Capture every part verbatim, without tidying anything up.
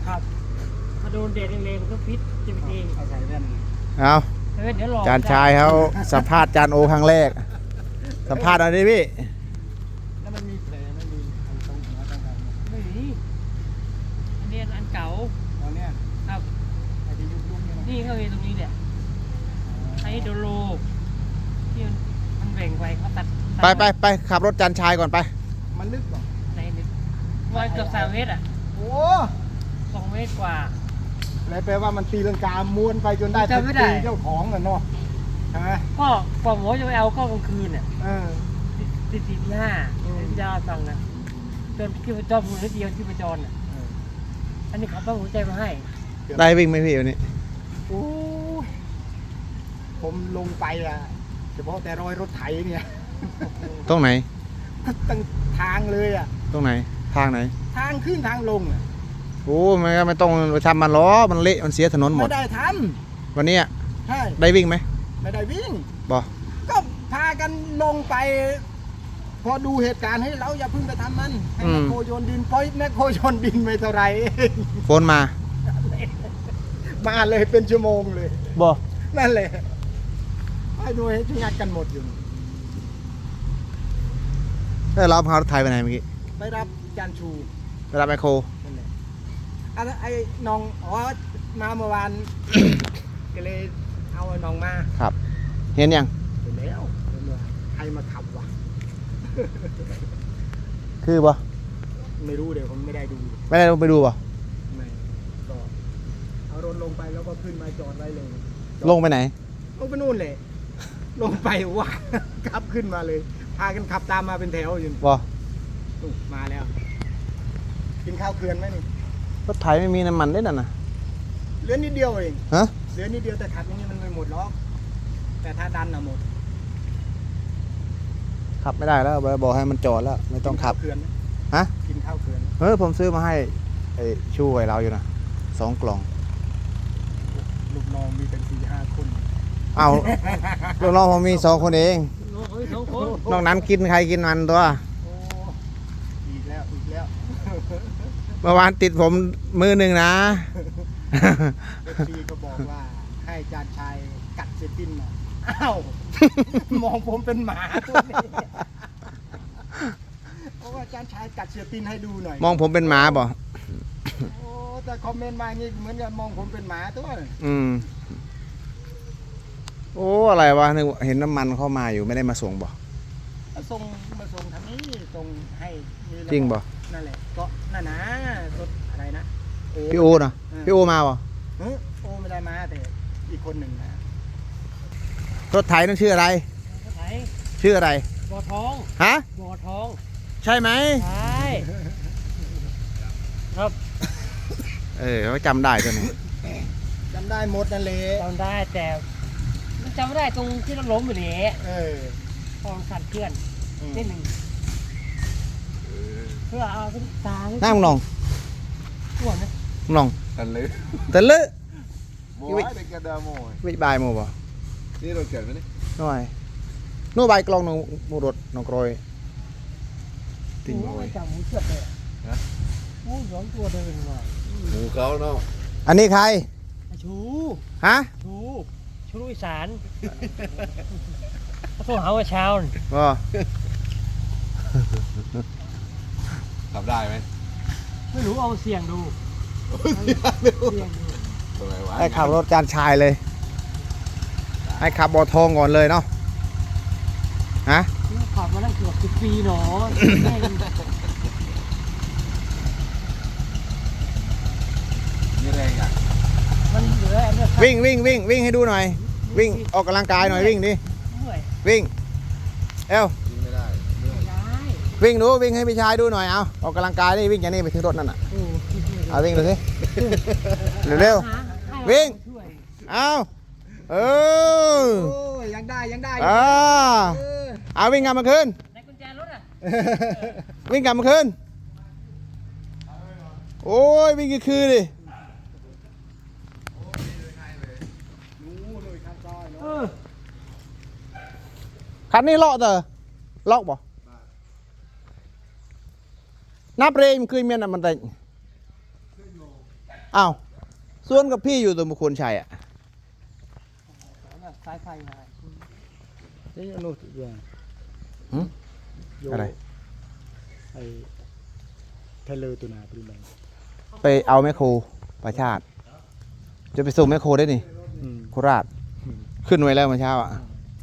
ครับพอโดนแดดแรงๆมันก็ฟิตจะเป็นเองเอาใส่แว่นเอาเดี๋ยวรอจานชายเขาสัมภาษณ์จานโอครั้งแรกสัมภาษณ์อะไรดิพี่แล้วมันมีแผลไม่มีอันตรงหัวตรงไหนไม่มีอันนี้อันเก่าอ๋อเนี่ยครับไอ้ที่ยุบๆเนี่ยนี่เขามีตรงนี้เนี่ยไอ้โดโลที่มันแบ่งไว้เขาตัดไปไปไปขับรถจานชายก่อนไปมันลึกกว่าในลึกวันเกือบสามเมตรอ่ะโอ้สองเมตรกว่าอะไรแปลว่ามันตีลังกาม้วนไปจนได้ตีเจ้าของอ่ะเนาะใช่ไหมก็กว่าหมอจะไปเอาก็กลางคืนเนี่ยตีตีที่ห้าที่ดาวฟังนะจนที่ประจรหัวเดียวที่ประจรอ่ะอันนี้เขาต้องหัวใจมาให้ได้วิ่งไหมพี่วันนี้โอ้ผมลงไปอ่ะเฉพาะแต่รอยรถไถเนี่ยตรงไหนตั้งทางเลยอ่ะตรงไหนทางไหนทางขึ้นทางลงอ่ะโอ้ไม่ไม่ต้องไปทำมันล้อมันเละมันเสียถนนหมดไม่ได้ทำวันนี้ใช่ได้วิ่งไหมไม่ได้วิ่งบ่ก็พากันลงไปพอดูเหตุการณ์ให้เราอย่าเพิ่งไปทำมันให้แมคโครโยนดินปล่อยแมคโครโยนดินไปเท่าไรโฟนมามาเลยเป็นชั่วโมงเลยบ่นั่นแหละให้ดูให้งัดกันหมดอยู่ได้รับพารถไทยไปไหนเมื่อกี้ไปรับจานชูไปรับไมโครนั่นแหละอ่ะไอ้น้องอ๋อมาเมื่อวานก็เลยเอาน้องมาครับเห็นยังเห็นแล้วใครมาขับวะคือบ่ไม่รู้เดี๋ยวผมไม่ได้ดูไม่ได้ลงไปดูบ่ไม่ก็เอารถลงไปแล้วก็ขึ้นมาจอดไว้เลยลงไปไหนลงไปนู่นเลยลงไปว่าขับขึ้นมาเลยพากันขับตามมาเป็นแถวอยู่บ่มาแล้วกินข้าวเกลือนไหมนี่รถไถไม่มีน้ำมันได้น่ะนะเหลือนิดเดียวเองฮะเหลือนิดเดียวแต่ขับอย่างนี้มันไม่หมดหรอกแต่ถ้าดันน่ะหมดขับไม่ได้แล้วบอกให้มันจอดแล้วไม่ต้องขับฮะกินข้าวเกลือนเออผมซื้อมาให้ไอ้ชูไว้เราอยู่นะสองกล่องลูกน้องมีเป็นสี่ห้าคนเอาลูกน้องผมมีสองคนเองนอกนั้นกินใครกินมันตัวอีกแล้วอีกแล้วเมื่อวานติดผมมือหนึ่งนะเอฟซีก็บอกว่าให้จานชายกัดเซตินน่ะอ้าวมองผมเป็นหมาตัวนี้เพราะว่าจานชายกัดเซตินให้ดูหน่อยมองผมเป็นหมาบ่โอ้แต่คอมเมนต์มาอย่างนี้เหมือนกับมองผมเป็นหมาตัวอืมโอ้อะไรวะเห็นน้ำมันเข้ามาอยู่ไม่ได้มาส่งบ่มาส่งมาส่งทางนี้ส่งให้จริงบ่นั่นแหละก็นั่นนะรถอะไรนะพี่โอนะพี่โอมาบ่โอไม่ได้มาแต่อีกคนหนึ่งนะรถไถนั่นชื่ออะไรรถไถชื่ออะไรบ่อทองฮะบ่อทองใช่ไหมใช่ครับเออเขาจำได้ตัวนี้จำได้หมดนั่นเลยจำได้แต่จำไม่ได้ตรงที่เราล้มอยู่นี่เออพองสั่นเคลื่อนนิดหนึ่งเพื่อเอาขึ้นตาหน้ามึงลองหัวนะมึงลองตะลึตะลึบัวเป็นกระดาษโม่วิบายโม่บ่นี่เราเกิดไหมนี่น้อยโน่ใบกลองนมูรดนกรอยติ่งโอยจับหมูเชือดเลยนะหมูสองตัวเดินมาหมูเขาเนาะอันนี้ใครชูฮะชูชูอีสานเขาหาว่าชาวก็ทำได้ไหมไม่รู้เอาเสี่ยงดูให้ขับรถจานชายเลยให้ขับบอทองก่อนเลยเนาะฮะขับมาตั้งเกือบสิบปีเนาะนี่แรงอ่ะมันเหลือวิ่งวิ่งวิ่งวิ่งให้ดูหน่อยวิ่งออกกำลังกายหน่อยวิ่งดิวิ่งเอวไม่ได้วิ่งดูวิ่งให้พี่ชายดูหน่อยเอาออกกำลังกายดิวิ่งอย่างนี้ไปถึงรถนั่นน่ะเอาวิ่งดูสิเร็วๆวิ่งเอาเออยังได้ยังได้อ่าเอาวิ่งกลับมาคืนวิ่งกลับมาคืนโอ้ยวิ่งกี่คืนดิคันนี้เลาะเตอเลาะบ่นับเรมคืนเมียนมันแต่อ้าวส่วนกับพี่อยู่ตรงบุคคลชัยอ่ะสายไฟมานี่อนุทินหืมอะไรไอ้ไทเลอร์ตัวนาปริมาณไปเอาแมคโครประชาติ จะไปส่งแมคโครได้นี่อืมโคราช ขึ้นไว้แล้วเมื่อเช้าอ่ะ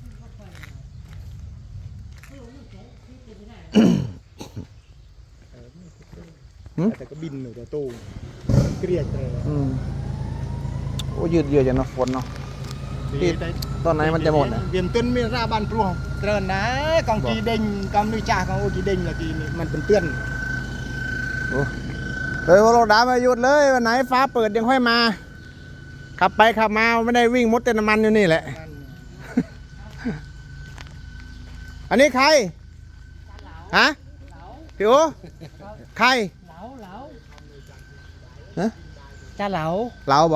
หืมแต่ก็บินหนูแต่ตู้เกลียดเลยอืมโอ้ยืดเยื้อจังเนาะฝนเนาะดีแต่ตอนไหนมันจะหมดนะเวียนต้นมีราบานพลวงเตือนนะกองกีเด้งกองนุยจ่าของโอกีเด้งละกีนี่มันเป็นเตือนโอ้เฮ้ยว่าเราด่ามาหยุดเลยวันไหนฟ้าเปิดยังค่อยมา ขับไปขับมาไม่ได้วิ่งมดเต็มน้ำมันอยู่นี่แหละ อันนี้ใคร ฮะพี่โอใครเหลาเหลาฮะจ้าเหลาเราบ่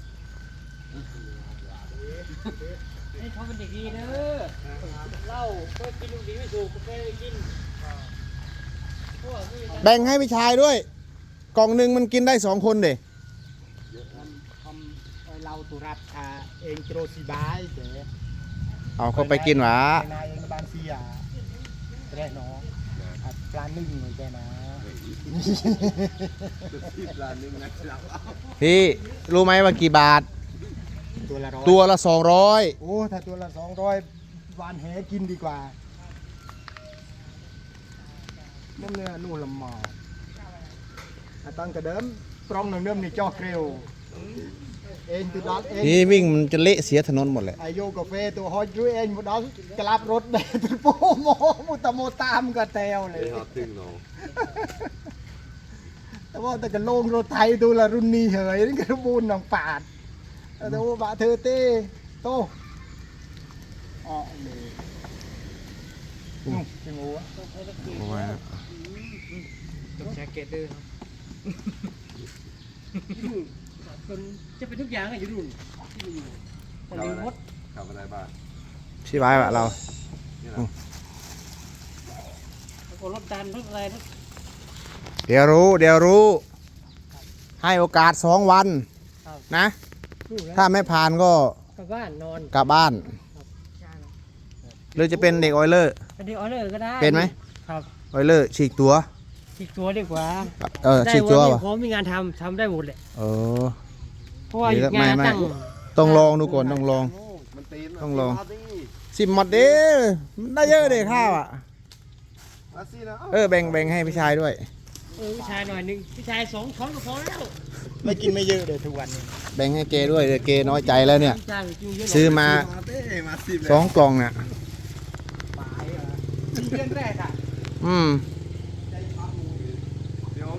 ให้เขาเป็นเด็กดีเด้อเหล้าก็กินลูกดีไม่ถูกก็ไม่ได้กินพวกไม่มีแบ่งให้พี่ชายด้วย กล่องหนึ่งมันกินได้สองคนเด็ทำไอ้เราตุรัสอาเองโตรสีบายเจ๊เอาเขาไปกินหวะนายเองบานเสียแร่เนาะอ่ะปลานึ่งเลยแกนะที่ร้านนี้มันนะครับพี่รู้ไหมว่ากี่บาทตัวละร้อยตัวละสองร้อยโอ้ถ้าตัวละสองร้อยวานแหกินดีกว่าน้ำเนื้อนู่นละหมออ่ะตั้งแต่เดิมปรองหนึ่งเดิมนี่จอกเร็วเองตัวดัดเองพี่วิ่งมันจะเละเสียถนนหมดเลยไอโยกาแฟตัวฮอยจุ้ยเองหมดดัดกลับรถได้ตัวโปโมมุตะโมตามกระเตวเลยไอ้ฮอตตึงเนาะแต่ว่าแต่กระโลงรถไทยตัวละรุ่นนี้เหยนี่กระบูนหนองปาดแต่ว่าบะเธอเต้โตอ๋อเลยนุ่มจิงหัวต้องแจ็คเก็ตด้วยครับคนจะเป็นทุกอย่างอะอยู่รุ่นที่อยู่คนขับเลี้ยอะงไรมดขับอะไรบ้างพี่ไว้วะเรานี่นะแล้วก็รถดันรถอะไรรถเดี๋ยวรู้ เดี๋ยวรู้ ให้โอกาสสองวันนะ ถ้าไม่ผ่านก็กลับบ้านนอนกลับบ้าน หรือจะเป็นเด็กออยเลอร์เป็นเด็กออเดอร์ก็ได้เป็นไหมครับออยเลอร์ฉีกตัวฉีกตัวดีกว่าเออได้ฉีกตัววันป่ะนี้ผมมีงานทำทำได้หมดเลยเออเพราะว่าหยุดไม่งานไม่ตั้งต้องลองดูก่อนต้องลองมันตีนต้องลองมาสิสิบหมดเด้มันได้เยอะเด็ข้าวอ่ะมาสินะเออแบ่งแบ่งให้พี่ชายด้วยเออพี่ชายหน่อยหนึงพี่ชายสองช้อนก็พอแล้วไม่กินไม่เยอะเลยทุกวันนี้แบ่งให้เกด้วยเดี๋ยวเกน้อยใจแล้วเนี่ยพี่ชายกินเยอะหน่ยซื้อมามาเต้มาสิสองกล่องน่ะเพื่อนแรกอ่ะอืมเ